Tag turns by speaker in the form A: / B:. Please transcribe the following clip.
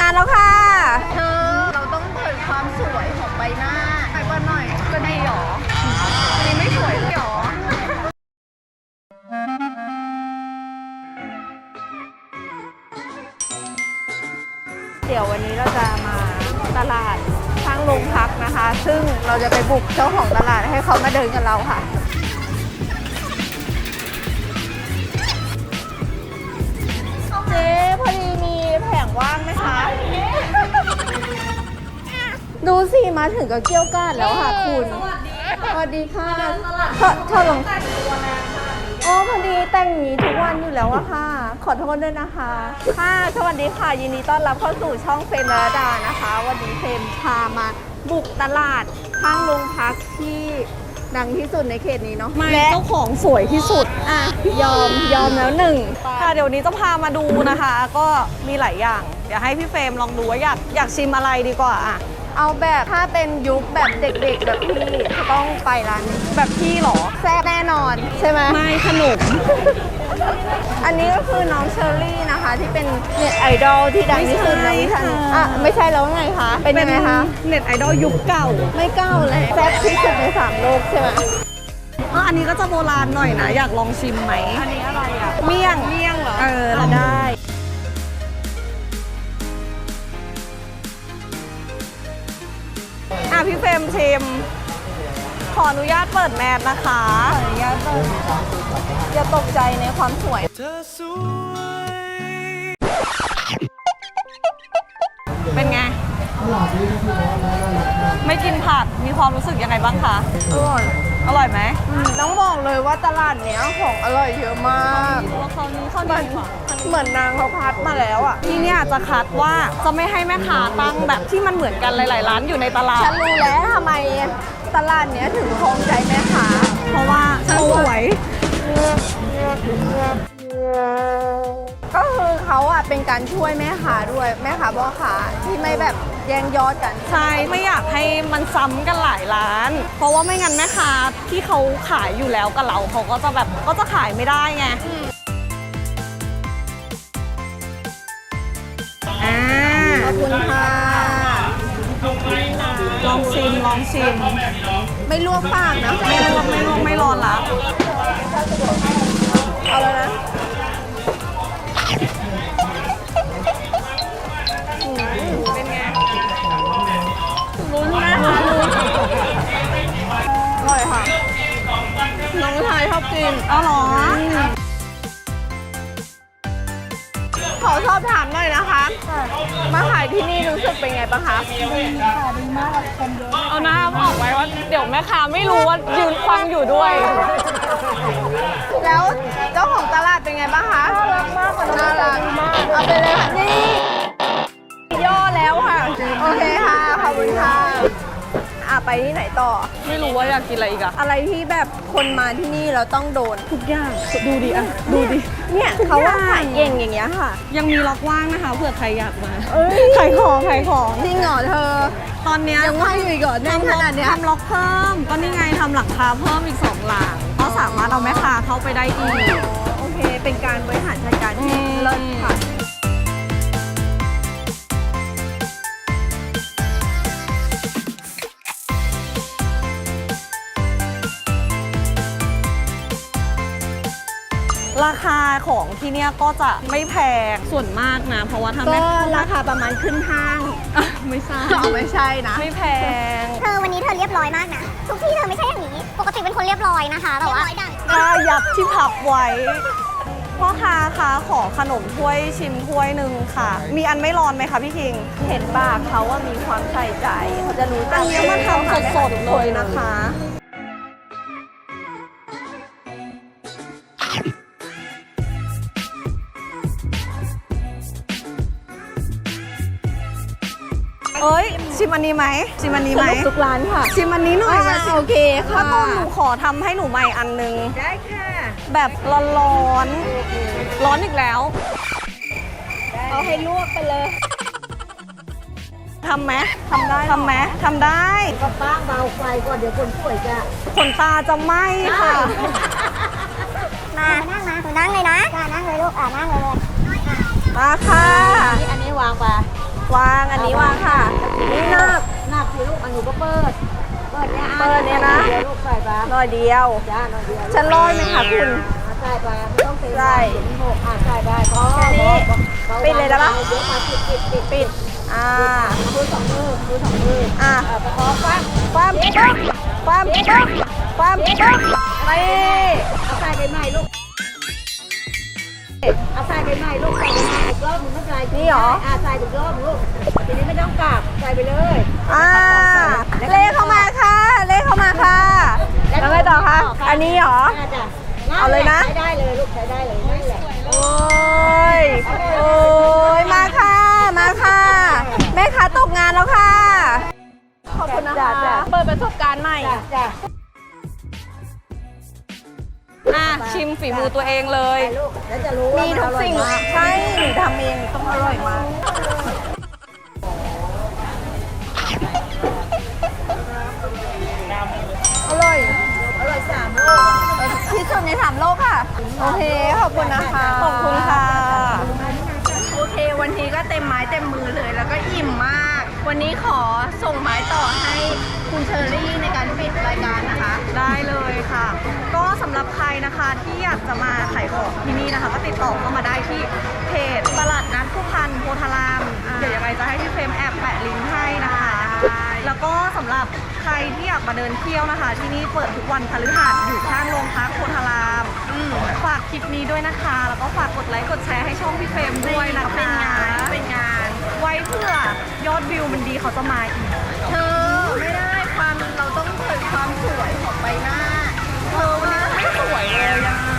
A: แล้วค่ะ
B: เธอเราต้องเปิดความสวยของใบหน้าไปเปิดหน่อยจะดีหรออันนี้ไม่สวยเลยหรอเดี๋ยววันนี้เราจะมาตลาดข้างโรงพักนะคะ ซึ่งเราจะไปบุกเจ้าของตลาดให้เขามาเดินกับเราค่ะเจ๊พอดีมีแผงว่างไหมคะ ดูสิมาถึงก็เกี้ยวกาดแล้วค่ะคุณสวัสดีค่ะเธอลงอ๋อพอดีแต่งอย่างนี้ทุกวันอยู่แล้วอะค่ะขอโทษด้วยนะคะค่ะสวัสดีค่ะยินดีต้อนรับเข้าสู่ช่องเฟรมระดานะคะวันนี้เฟรมพามาบุกตลาดข้างโรงพักที่ดังที่สุดในเขตนี้เนาะและเจ้าของสวยที่สุดอ่ะยอมแล้วหนึ่งค่ะเดี๋ยวนี้จะพามาดูนะคะ ก็มีหลายอย่างเดี๋ยวให้พี่เฟรมลองดูว่าอยากชิมอะไรดีกว่าอ่ะเอาแบบถ้าเป็นยุคแบบเด็กๆแบบพี่ต้องไปร้านนี้แบบพี่หรอแซ่บแน่นอนใช่ไหมไม่ขนม อันนี้ก็คือน้องเชอรี่นะคะที่เป็นเน็ตไอดอลที่ดังที่สุดในวิชาอ่ะไม่ใช่แล้วไงคะเป็นยังไงคะเน็ตไอดอลยุคเก่าไม่เก่าเลยแซ่บที่สุดใน3 โลกใช่ไหมอันนี้ก็จะโบราณหน่อยนะอยากลองชิมไหมอันนี้อะไรอ่ะเมี่ยงเหรอลองได้พี่เฟรมชิมขออนุญาตเปิดแมสนะคะขออนุญาตเปิดอย่าตกใจในความสวยเป็นไงไม่กินผักมีความรู้สึกยังไงบ้างคะอร่อยไหมต้องบอกเลยว่าตลาดเนี้ยของอร่อยเยอะมากเหมือนนางเขาคัดมาแล้วอ่ะที่เนี่ยจะคัดว่าจะไม่ให้แม่ค้าตั้งแบบที่มันเหมือนกันหลายๆร้านอยู่ในตลาดฉันรู้แล้วทำไมตลาดเนี้ยถึงครองใจแม่ค้าเพราะว่าฉันสวยก็คือเขาอ่ะเป็นการช่วยแม่ค้าด้วยแม่ค้าพ่อค้าที่ไม่แบบแย่งยอดกันใช่ไม่อยากให้มันซ้ำกันหลายร้านเพราะว่าไม่งั้นแม่ค้าที่เขาขายอยู่แล้วกับเราเขาก็จะแบบก็จะขายไม่ได้ไงขอบคุณค่ะลองชิมไม่ลวกปากนะไม่ลวกไม่ร้อนละเอาแล้วนะเป็นไงลุ้นนะคะอร่อยค่ะน้องชายชอบกินอ๋อเหรอขอสอบถามหน่อยนะคะมาขายที่นี่รู้สึกเป็นไงบ้างคะดีมากคนเยอะเอาหน้าบอกไว้ว่าเดี๋ยวแม่ค้าไม่รู้ว่ายืนฟังอยู่ด้วยแล้วเจ้าของตลาดเป็นไงบ้างคะน่ารักมากน่ารักมากเอาไปเลยค่ะนี่ย่อแล้วค่ะโอเคค่ะขอบคุณค่ะไปที่ไหนต่อไม่รู้ว่าอยากกินอะไรอีกอะอะไรที่แบบคนมาที่นี่เราต้องโดนทุกอย่างดูดิอะดูดิเนี่ยเขาว่าขายเก่งอย่างเงี้ยค่ะยังมีล็อกว่างนะคะเผื่อใครอยากมาขายของจริงเหรอเธอตอนเนี้ยยังว่างอยู่ก่อนในขนาดเนี้ยทำล็อกเพิ่มก็นี่ไงทำหลังคาเพิ่มอีก2 หลังก็สามารถเอาแม่ค้าเข้าไปได้อีกโอเคเป็นการบริหารจัดการที่เลิศค่ะราคาของที่เนี่ยก็จะไม่แพงส่วนมากนะเพราะว่าทำก็ราคาประมาณขึ้นห้างไม่ใช่ไม่ใช่นะไม่แพง
C: เธอวันนี้เธอเรียบร้อยมากนะทุกที่เธอไม่ใช่อย่างนี้ปกติเป็นคนเรียบร้อยนะคะแต่ว่า
A: ยับที่พับไว้พ่อค้าคะขอขนมถ้วยชิมถ้วยหนึ่งค่ะมีอันไม่ร้อนไหมคะพี่คิงเห็นบ้าเขาว่ามีความใส่ใจเขาจะรู้จักอันนี้มาทำสดๆเลยนะคะชิมอันนี้ไหมทุกร้านค่ะชิมอันนี้หน่อยโอเคค่ะถ้าต้นหนูขอทำให้หนูใหม่อันนึงได้ค่ะแบบร้อนอีกแล้วเอาให้ลวกไปเลยทำไหมทำได้
B: ก็ป้างเบาไฟก่อนเดี๋ยวคนป่วยจะ
A: ขนตาจะไหม้ค่ะ
C: มานั่งเลยนะนั่งเลยลูกนั่งเลย
A: มาค่ะ
B: อันนี้วางไป
A: วางอันนี้วางค่ะ นี่นับ
B: หนักสิลูกอันหนูก็เปิดเนี่ย
A: เปิดเนี่ยนะ
B: เดี๋ยวลูกใส่ปลา
A: ร้อยเดียว
B: จ้าหน่อยเดียว
A: ฉันร้อยไหมคะคุณ
B: ใส่ปลาไม่ต้องเต็ม
A: ใส่
B: หกใส่ได้พอ
A: แค่นี้ปิดเลยได้ปะ
B: เดี๋ยวมาปิด
A: ปิด อ่า
B: มือสองมือ
A: อ่ะ
B: ประคองฟัง
A: ความปึ๊บความปึ๊บความปึ๊บนี่
B: เอาใส่ไปใหม่ลูกเอาใส่ไปใหม่ลูกใส่ไปใหม่อีกรอบหนึงไม่เป็นไร
A: นี่หรอ
B: ใส่อีกรอบลูกทีนี้ไม่ต้องกลับใส่ไปเลย
A: อ่าเลขเข้ามาค่ะ เลขเข้ามาค่ะ แล้วไงต่อคะ อันนี้เหรอ
B: จ้ะ
A: เอาเลยนะ
B: ใช้ได้เลยลูกใช้ได้เลยนั่นแหละ
A: โอ้ย โอ้ย มาค่ะ มาค่ะ แม่ค้าตกงานแล้วค่ะ ขอบคุณนะคะ เปิดประสบการณ์ใหม่
B: จ้ะ
A: อ่ะ ชิมฝีมือตัวเองเลย
B: ลูกแล้วจะรู้ว่า
A: มีทุกสิ่ง
B: มันอร่อยมาก
A: ใช่หนูทำเองต้องอร่อยมาก อร่อย
B: อร่อย3 โลก
A: ที่สุดใน3 โลกค่ะ โอเค ขอบคุณนะคะ ขอบคุณค่ะ โอเค วันนี้ก็เต็มไม้เต็มมือเลย แล้วก็อิ่มมาก วันนี้ขอส่งไม้ต่อให้คุณเชอรี่ในการปิดรายการนะคะ ได้เลยค่ะ ก็สำหรับใครนะคะที่อยากจะมาขายของที่นี่นะคะ ก็ติดต่อเข้ามาได้ที่เพจตลาดนัดผู้พันโพธาราม เดี๋ยวยังไงจะให้พี่เฟรมแอบแปะลิงก์ให้นะคะ แล้วก็สำหรับใครที่อยากมาเดินเที่ยวนะคะ ที่นี่เปิดทุกวันพฤหัสอยู่ข้างโรงพักโพธารามฝากคลิปนี้ด้วยนะคะ แล้วก็ฝากกดไลค์กดแชร์ให้ช่องพี่เฟรมด้วยนะคะเป็นงาน ไว้เพื่อยอดวิวมันดีเขาจะมาอีก เธอไม่ได้ความเราต้องเปิดความสวยของใบหน้า เธอวันนี้ไม่สวยเลยอะ